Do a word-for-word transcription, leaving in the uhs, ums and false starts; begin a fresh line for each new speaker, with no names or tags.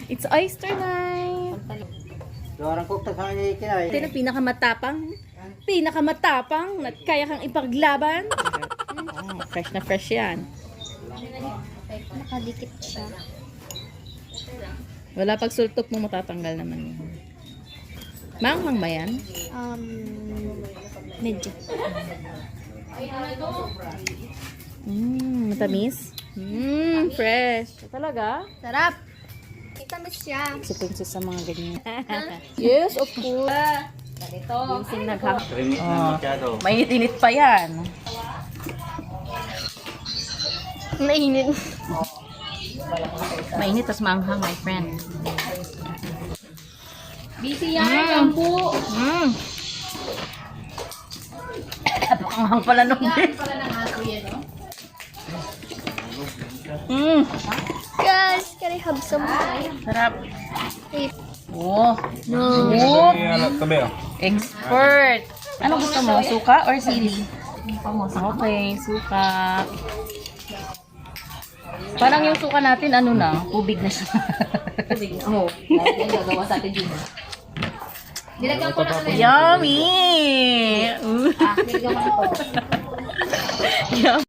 It's oyster night.
Dorang kok ta kanya ikinay.
Ito na pinakamatapang. Pinakamatapang. At kaya kang ipaglaban. Oh, fresh na fresh yan.
Nakadikit siya.
Wala pag sultok mo matatanggal naman yun. Manghang ba yan?
Um, medyo.
Mmm, matamis. Mmm, fresh. Talaga?
Sarap! Itamis siya.
Si Princess sa mga ganyan. Yes, of course. Ganito. Yung naghang.
Trimit na masyado.
Mainit-init pa yan.
Mainit.
Mainit, tas manghang, my friend.
Busy
yan,
po.
Mmm. Panghang pala nung din.
Pala ng aso yan, no?
Mmm.
Guys, can I have some?
Sarap.
Wait.
Oh.
No.
Oh.
Anak tabi ah.
Expert. Ano gusto mo? Suka or sili? Okay, suka. Parang yung suka natin, ano na, tubig na siya. Tubig? Oo. Yung gagawa sa atin din. Nilagyan ko na ano yun. Yummy! Uh.
Ah, nilagyan ko na ito.
Yum.